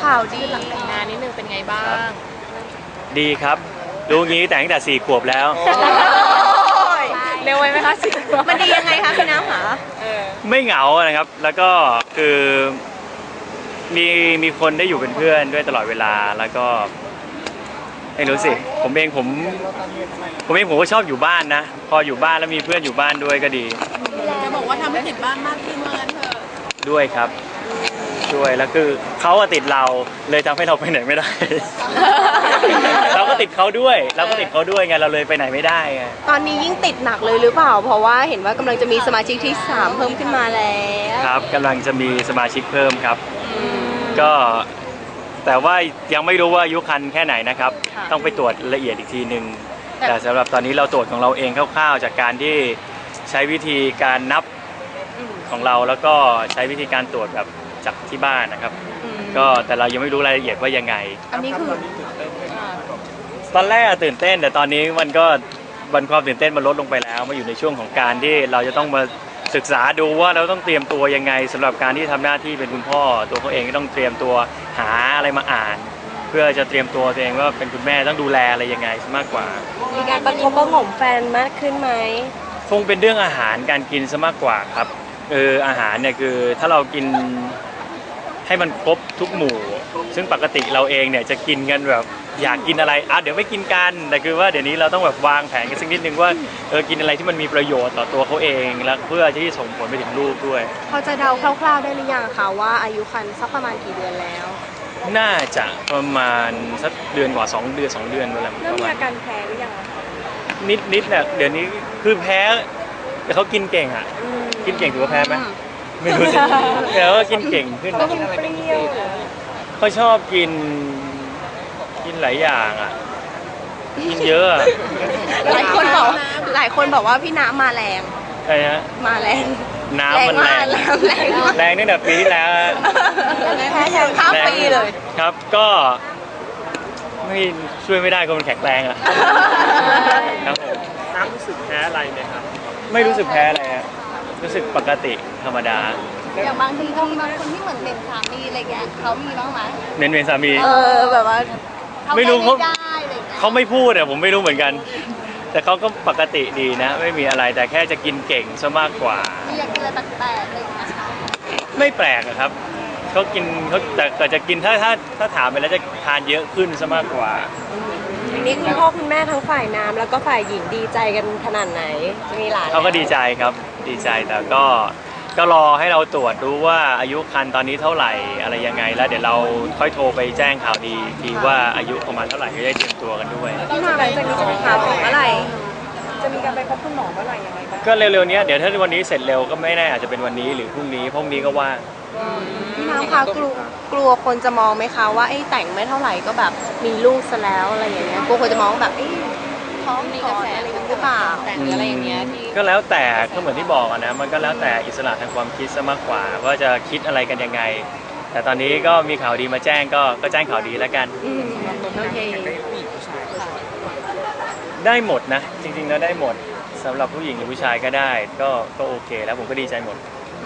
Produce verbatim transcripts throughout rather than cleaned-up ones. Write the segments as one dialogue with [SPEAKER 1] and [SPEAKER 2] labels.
[SPEAKER 1] ข่าวดี
[SPEAKER 2] งานนิดนึงเป็นไงบ้าง
[SPEAKER 3] ดีครับรู้งี้แต่ตั้งแต่สี่ขวบแล้ว
[SPEAKER 2] เร็วไหมคะสี่ขวบ
[SPEAKER 1] มันดียังไงคะพี่น้ำหา
[SPEAKER 3] ไม่เหงานะครับแล้วก็คือมีมีคนได้อยู่เป็นเพื่อนด้วยตลอดเวลาแล้วก็ไม่รู้สิผมเองผมผมเองผมก็ชอบอยู่บ้านนะพออยู่บ้านแล้วมีเพื่อนอยู่บ้านด้วยก็ดี
[SPEAKER 2] จะบอกว่าทำให้ติดบ้านมากขึ้นเมื่อกันเถอะ
[SPEAKER 3] ด้วยครับด้วยแล้วคือเขาติดเราเลยทำให้เราไปไหนไม่ได้ เราก็ติดเขาด้วยเราก็ติดเขาด้วยไงเราเลยไปไหนไม่ได้ไง
[SPEAKER 1] ตอนนี้ยิ่งติดหนักเลยหรือเปล่าเพราะว่าเห็นว่ากำลังจะมีสมาชิกที่สามเพิ่มขึ้นมาแล้ว
[SPEAKER 3] ครับกำลังจะมีสมาชิกเพิ่มครับก็แต่ว่ายังไม่รู้ว่าอายุคันแค่ไหนนะครับต้องไปตรวจละเอียดอีกทีหนึ่งแต่สำหรับตอนนี้เราตรวจของเราเองคร่าวๆจากการที่ใช้วิธีการนับของเราแล้วก็ใช้วิธีการตรวจแบบจากที่บ้านนะครับก็แต่เรายังไม่รู้รายละเอียดว่ายังไง
[SPEAKER 1] อันนี้คือ
[SPEAKER 3] ตอนแรกตื่นเต้นแต่ตอนนี้มันก็วันความตื่นเต้นมันลดลงไปแล้วมาอยู่ในช่วงของการที่เราจะต้องมาศึกษาดูว่าเราต้องเตรียมตัวยังไงสำหรับการที่ทำหน้าที่เป็นคุณพ่อตัวเขาเองก็ต้องเตรียมตัวหาอะไรมาอ่านเพื่อจะเตรียมตัวตัวเองว่าเป็นคุณแม่ต้องดูแลอะไรยังไงมากกว่า
[SPEAKER 1] มีการประคบประหงมแฟนมากขึ้นไหม
[SPEAKER 3] คงเป็นเรื่องอาหารการกินซะมากกว่าครับเอออาหารเนี่ยคือถ้าเรากินให้มันครบทุกหมู่ซึ่งปกติเราเองเนี่ยจะกินกันแบบอยากกินอะไรอ่ะเดี๋ยวไม่กินกันแต่คือว่าเดี๋ยวนี้เราต้องแบบวางแผนกันสักนิดนึงว่าเออกินอะไรที่มันมีประโยชน์ต่อตัวเขาเองแล้วเพื่อที่จะส่งผลไปถึงลูกด้วย
[SPEAKER 1] พอจะเดาคร่าวๆได้หรือยังคะว่าอายุครรภ์สักประมาณกี่เดือนแล้ว
[SPEAKER 3] น่าจะประมาณสักเดือนกว่าสองเดือนสองเดือนอะไรประมาณ
[SPEAKER 1] เริ่มมีอาการแพ้หรือยัง
[SPEAKER 3] นิดนิดเนี่ยเดี๋ยวนี้คือแพ้แต่เขากินเก่งอ่ะกินเก่งถือว่าแพ้ไหมไม่รู้สิแต่ว่ากินเก่งขึ้น
[SPEAKER 1] เขากินเปรี้ยว
[SPEAKER 3] เขาชอบกินกินหลายอย่างอ่ะกินเยอะ
[SPEAKER 1] หลายคนบอกหลายคนบอกว่าพี่น้ำมาแรง
[SPEAKER 3] ใช่ฮะ
[SPEAKER 1] มาแรง
[SPEAKER 3] น้ำมันแรง
[SPEAKER 1] แรง
[SPEAKER 3] แรงตั้งแต่ปีที่แล้ว
[SPEAKER 1] แพ้ข้ามปีเลย
[SPEAKER 3] ครับก็ไม่ช่วยไม่ได้ก็มันแข็งแรงอ่ะครับผมน้ำรู้สึกแพ้อะไรไหมครับไม่รู้สึกแพ้อะไรฮะรู้สึกปกติธรรมดา
[SPEAKER 2] อย่างบางทีเขามีบางคนที่เหมือนเป็นสามีอะไรเงี้ยเขามีบ้างไหม
[SPEAKER 3] เน้นเป็นสามี
[SPEAKER 1] เออแบบว่า
[SPEAKER 3] ไม่รู้เขาเขาไม่พูดอะผมไม่รู้เหมือนกันแต่เขาก็ปกติดีนะไม่มีอะไรแต่แค่จะกินเก่งซะมากกว่า
[SPEAKER 2] ไม่อยากกินอะไรแปลกๆอะไรอย่างเงี้ย
[SPEAKER 3] ไม่แปลกครับเขากินเขาแต่ก็จะกินถ้าถ้าถ้าถามไปแล้วจะทานเยอะขึ้นซะมากกว่า
[SPEAKER 1] ทีนี้คุณพ่อคุณแม่ทั้งฝ่ายน้ำแล้วก็ฝ่ายหญิงดีใจกันขนาดไหนมีหลาน
[SPEAKER 3] เขาก็ดีใจครับดีใจแต่ก็ก็รอให้เราตรวจดูว่าอายุครรภ์ตอนนี้เท่าไหร่อะไรยังไงแล้วเดี๋ยวเราค่อยโทรไปแจ้งข่าวดีทีว่าอายุประมาณเท่าไหร่ก็ได้เตรียมตัวกันด้วย
[SPEAKER 1] พี่นาหลังจากนี้จะมีข่าวเมื่อไหร่จะมีการไปพบคุณหมอเมื่อไหร่ยังไงบ้าง
[SPEAKER 3] ก็เร็วๆนี้เดี๋ยวถ้าวันนี้เสร็จเร็วก็ไม่แน่อาจจะเป็นวันนี้หรือพรุ่งนี้พรุ่งนี้ก็ว่าง
[SPEAKER 1] พี่น้ำคะกลัวกลัวคนจะมองไหมคะว่าไอ้แต่งไม่เท่าไหร่ก็แบบมีลูกซะแล้วอะไรอย่างเงี้ยกลัวคนจะมองแบบไอ้ท้องมีกระแสอะไรหรือเปล่า
[SPEAKER 2] แต่งอะไรอย่างเงี้ยที่
[SPEAKER 3] ก็แล้วแต่ก็เหมือนที่บอกนะมันก็แล้วแต่อิสระทางความคิดซะมากกว่าว่าจะคิดอะไรกันยังไงแต่ตอนนี้ก็มีข่าวดีมาแจ้งก็ก็แจ้งข่าวดีแล้วกัน
[SPEAKER 1] โอเค
[SPEAKER 3] ได้หมดนะจริงๆแล้วได้หมดสำหรับผู้หญิงหรือผู้ชายก็ได้ก็ก็โอเคแล้วผมก็ดีใจหมด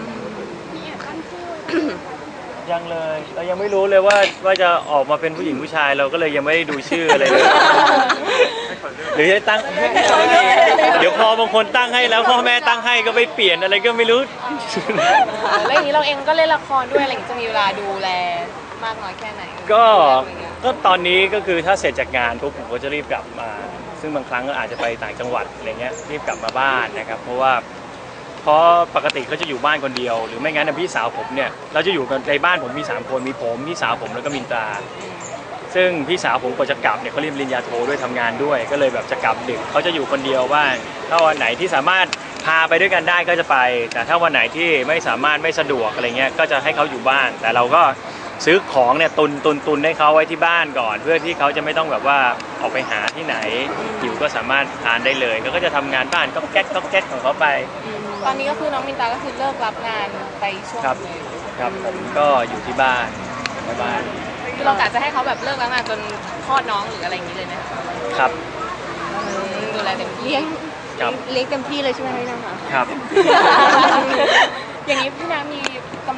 [SPEAKER 3] ยังเลยเรายังไม่รู้เลยว่าว่าจะออกมาเป็นผู้หญิงผู้ชายเราก็เลยยังไม่ได้ดูชื่ออะไรเลยหรือจะตั้งเดี๋ยวพอบางคนตั้งให้แล้วพ่อแม่ตั้งให้ก็ไปเปลี่ยนอะไรก็ไม่รู้
[SPEAKER 2] แล้วอย่างนี้เราเองก็เล่นละครด้วยอะไรจะมีเวลาดูแลมากน้อยแค่ไหน
[SPEAKER 3] ก็ก็ตอนนี้ก็คือถ้าเสร็จจากงานปุ๊บผมก็จะรีบกลับมาซึ่งบางครั้งก็อาจจะไปต่างจังหวัดอะไรเงี้ยรีบกลับมาบ้านนะครับเพราะว่าเพราะปกติเขาจะอยู่บ้านคนเดียวหรือไม่งั้นพี่สาวผมเนี่ยเราจะอยู่กันในบ้านผมมีสามคนมีผมพี่สาวผมแล้วก็มินตราซึ่งพี่สาวผมก็จะกลับเนี่ยเขาเรียนปริญญาโทด้วยทำงานด้วยก็เลยแบบจะกลับดึกเขาจะอยู่คนเดียวบ้างถ้าวันไหนที่สามารถพาไปด้วยกันได้ก็จะไปแต่ถ้าวันไหนที่ไม่สามารถไม่สะดวกอะไรเงี้ยก็จะให้เขาอยู่บ้านแต่เราก็ซื้อของเนี่ยตุนตุนตุนให้เขาไว้ที่บ้านก่อนเพื่อที่เขาจะไม่ต้องแบบว่าออกไปหาที่ไหนอยู่ก็สามารถทานได้เลยเขาก็จะทำงานบ้านก็แก๊กก็แก๊กของเขาไป
[SPEAKER 2] ตอนนี้ก็คือน้องมินตาก็คือเลิกรับงานไปช่วง
[SPEAKER 3] เลยครับผมก็อยู่ที่บ้านในบ้าน
[SPEAKER 2] คือเรากะจะให้เขาแบบเลิกรับงานจนคลอดน้องหรืออะไรอย่างนี้เลยไหม
[SPEAKER 3] ครับ
[SPEAKER 2] ดูแลเต็มที่
[SPEAKER 1] เลี้ยงเลี้ยงเต็มที่เลยใช่ไหมพี่น้ำคะ
[SPEAKER 3] ครับ
[SPEAKER 2] อย่างนี้พี่น้ำมีกำหน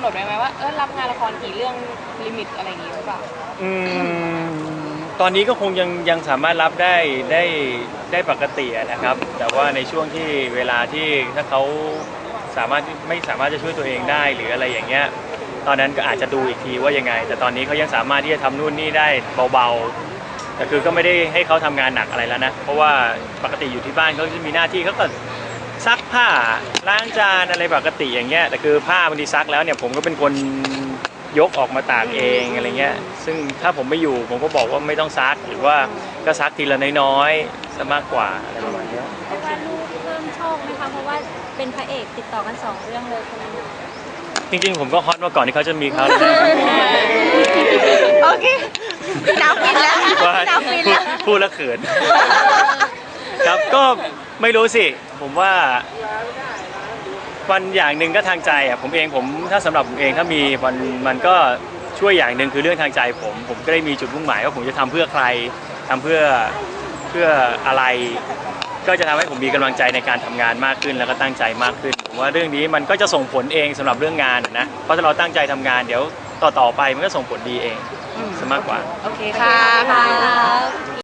[SPEAKER 2] ดไว้ไหมว่าเออรับงานละครกี่เรื่องลิมิตอะไรอย่างงี้หรือเปล่า
[SPEAKER 3] อืมตอนนี้ก็คงยังยังสามารถรับได้ได้ได้ปกติอะนะครับ แต่ว่าในช่วงที่เวลาที่ถ้าเขาสามารถไม่สามารถจะช่วยตัวเองได้หรืออะไรอย่างเงี้ยตอนนั้นก็อาจจะดูอีกทีว่ายังไง แต่ตอนนี้เขายังสามารถที่จะทำนู่นนี่ได้เบาๆแต่คือก็ไม่ได้ให้เขาทำงานหนักอะไรแล้วนะเพราะว่าปกติอยู่ที่บ้านเขาจะมีหน้าที่เขาก็ซักผ้าล้างจานอะไรปกติอย่างเงี้ยแต่คือผ้าบางทีซักแล้วเนี่ยผมก็เป็นคนยกออกมาตากเองอะไรเงี้ยซึ่งถ้าผมไม่อยู่ผมก็บอกว่าไม่ต้องซักหรือว่าก็ซักทีละน้อยๆซะมากกว่าอะไรประมาณเนี้ย
[SPEAKER 4] เพราะว่าลูกเพิ่มโชคไหมคะเพราะว่าเป็นพระเอกติดต่อกันสองเรื่องเลยคนนี้
[SPEAKER 3] จริงๆผมก็ฮอตมาก่อนที่เขาจะมีเขาเลย
[SPEAKER 1] โอเคน้ำฟินแล้ว
[SPEAKER 3] ว่า
[SPEAKER 1] น้ำฟิน
[SPEAKER 3] พูด
[SPEAKER 1] แล้ว
[SPEAKER 3] พูดแล้วเขิน ครับก็ไม่รู้สิ ผมว่าวันอย่างหนึ่งก็ทางใจอ่ะผมเองผมถ้าสำหรับผมเองถ้ามีมันมันก็ช่วยอย่างหนึ่งคือเรื่องทางใจผม ผมก็ได้มีจุดมุ่งหมายว่าผมจะทำเพื่อใครทำเพื่อเพื่ออะไร ก็จะทำให้ผมมีกำลังใจในการทำงานมากขึ้นแล้วก็ตั้งใจมากขึ้นผมว่าเรื่องนี้มันก็จะส่งผลเองสำหรับเรื่องงานนะเพราะถ้าเราตั้งใจทำงานเดี๋ยวต่อๆไปมันก็ส่งผลดีเองซะมากกว่า
[SPEAKER 1] โอเคค่ะ